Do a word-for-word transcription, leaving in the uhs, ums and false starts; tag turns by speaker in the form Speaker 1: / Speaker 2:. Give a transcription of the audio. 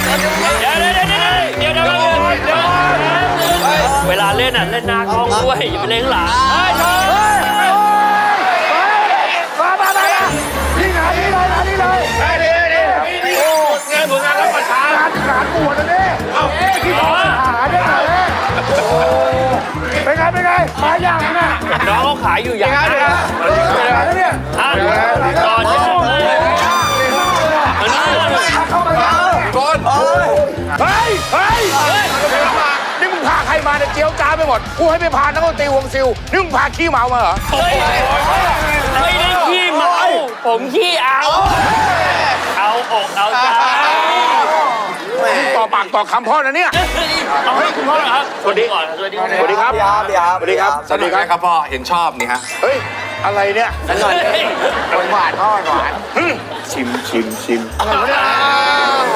Speaker 1: เดี๋ยวเดี๋ยวเดี๋ยวเดี๋ยวเดี๋ยวเดี๋ยวเวลาเล่นอ่ะเล่นหน้ากล้องด้วยอย่าไปเล่นหลังเฮ้ยเธอ
Speaker 2: มามามานี่งานนี้เลยงานนี้เลยได้ดิได้ดิโอ้งานผลงานรับประทานงานงานบวชนะเนี่ยเอาที่ขอหาเนี่ยเลยเป็นไงเป็นไงมาอย่างน่ะ
Speaker 1: น้องเขาขายอยู่อย่างนั้นนะ
Speaker 2: อะไรเนี่ย
Speaker 1: อ่ะต่อเนื่องเลยอันนี้
Speaker 2: เข้ามาแล้วบอลเฮ้ยเฮ้ยนี่มึงพาใครมาเนี่ยเจียวจ้าไปหมดกูให้ไปพานักดนตรีวงซิลนี่มึงพาขี้เมามาเหรอ
Speaker 1: เฮ้ยไม่ได้ขี้เมาผมขี้เอา เอาอกเอาใจ
Speaker 2: ต่อปากต่อคำพ่อนะเนี่ย
Speaker 1: เอาให้คุณพ่อเหรอครับสวัสดีก่อนสวัสดีครับ
Speaker 2: สวัสดีครับ สวัสดีครับ
Speaker 3: สวัสดีครับพ่อเห็นชอบนี่ฮะ
Speaker 2: เฮ้ย อะไรเนี่ย
Speaker 1: หน่อย
Speaker 2: หวานพ่อหวาน
Speaker 3: ชิมชิมชิม
Speaker 2: อะไรวะเนี่ย